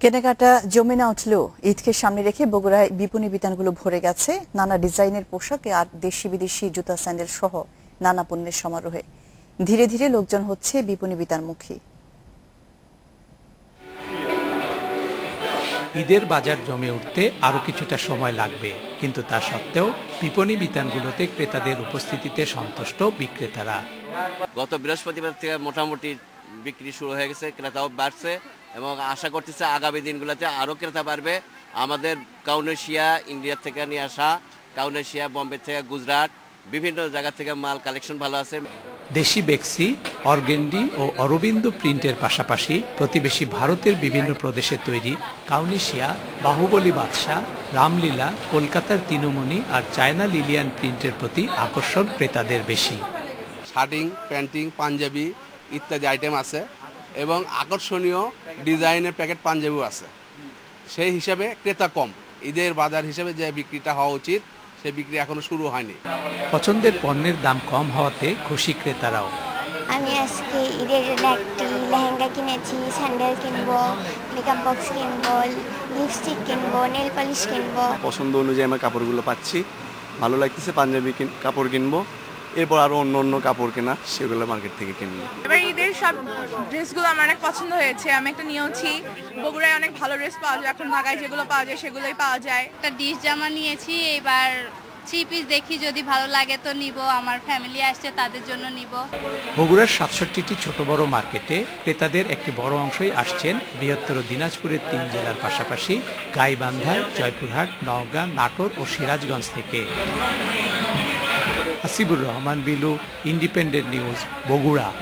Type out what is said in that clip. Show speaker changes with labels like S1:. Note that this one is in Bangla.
S1: কেনাকাটা জমে না উঠলেও ঈদকে সামনে রেখে বগুড়ায় বিপণী বিতানগুলো ভরে গেছে নানা ডিজাইনের পোশাক আর দেশি বিদেশি জুতা স্যান্ডেল সহ নানা পণ্যের সমারোহে। ধীরে ধীরে লোকজন হচ্ছে বিপণী বিতানমুখী।
S2: ঈদের বাজার জমে উঠতে আরো কিছুটা সময় লাগবে, কিন্তু তা সত্ত্বেও বিপণী বিতানগুলোতে ক্রেতাদের উপস্থিতিতে সন্তুষ্ট বিক্রেতারা।
S3: গত বৃহস্পতিবার থেকে মোটামুটি বিক্রি শুরু হয়ে গেছে, ক্রেতাও বাড়ছে এবং আশা করতেছে আগামী দিনগুলোতে আরও ক্রেতা বাড়বে। আমাদের কাউনেশিয়া ইন্ডিয়া থেকে নিয়ে আসা, কাউনেশিয়া বোম্বে থেকে গুজরাট বিভিন্ন জায়গা থেকে মাল কালেকশন ভালো আছে।
S2: দেশি বেক্সি, অর্গেন্ডি ও অরবিন্দ প্রিন্টের পাশাপাশি প্রতিবেশী ভারতের বিভিন্ন প্রদেশে তৈরি কাউনেশিয়া, বাহুবলী বাদশাহ, রামলীলা, কলকাতার তিনুমণি আর চায়না লিলিয়ান প্রিন্টের প্রতি আকর্ষণ ক্রেতাদের বেশি।
S4: শার্টিং, প্যান্টিং, পাঞ্জাবি ইত্যাদি আইটেম আছে এবং আকর্ষণীয় ডিজাইনের প্যাকেট পাঞ্জাবিও আছে। সেই হিসাবে ক্রেতা কম। ঈদের বাজার হিসেবে যে বিক্রিটা হওয়া উচিত সেই বিক্রি এখনো শুরু হয়নি।
S2: পছন্দের পণ্যের দাম কম হওয়াতে খুশি ক্রেতারাও।
S5: আমি আজকে ঈদের জন্য একটি লেহেঙ্গা কিনেছি, স্যান্ডেল কিনবো, মেকআপ বক্স কিনবো, লিপস্টিক কিনবো, নেল পলিশ কিনবো।
S6: পছন্দ অনুযায়ী আমার কাপড়গুলো পাচ্ছি, ভালো লাগতেছে। পাঞ্জাবি কাপড় কিনবো, এরপর আরো অন্য অন্য কাপড় কেনা, সেগুলো মার্কেট থেকে কিনবো।
S7: এবার ঈদের সব ড্রেসগুলো আমার অনেক পছন্দ হয়েছে। আমি একটা নিয়েছি। বগুড়ায় অনেক ভালো ড্রেস পাওয়া যায়, এখন ঢাকায় যেগুলো পাওয়া যায় সেগুলোই পাওয়া যায়।
S8: একটা ডিশ জামা নিয়েছি, এবার থ্রি পিস দেখি যদি ভালো লাগে তো নিব, আমার ফ্যামিলি আসছে তাদের জন্য নিব।
S2: বগুড়ার ৬৭টি ছোট বড় মার্কেটে ক্রেতাদের একটি বড় অংশই আসছেন বৃহত্তর দিনাজপুরের ৩ জেলার পাশাপাশি গাইবান্ধা, জয়পুরহাট, নওগাঁ, নাটোর ও সিরাজগঞ্জ থেকে। Hasibur Rahman Bilu, independent news, Bogura.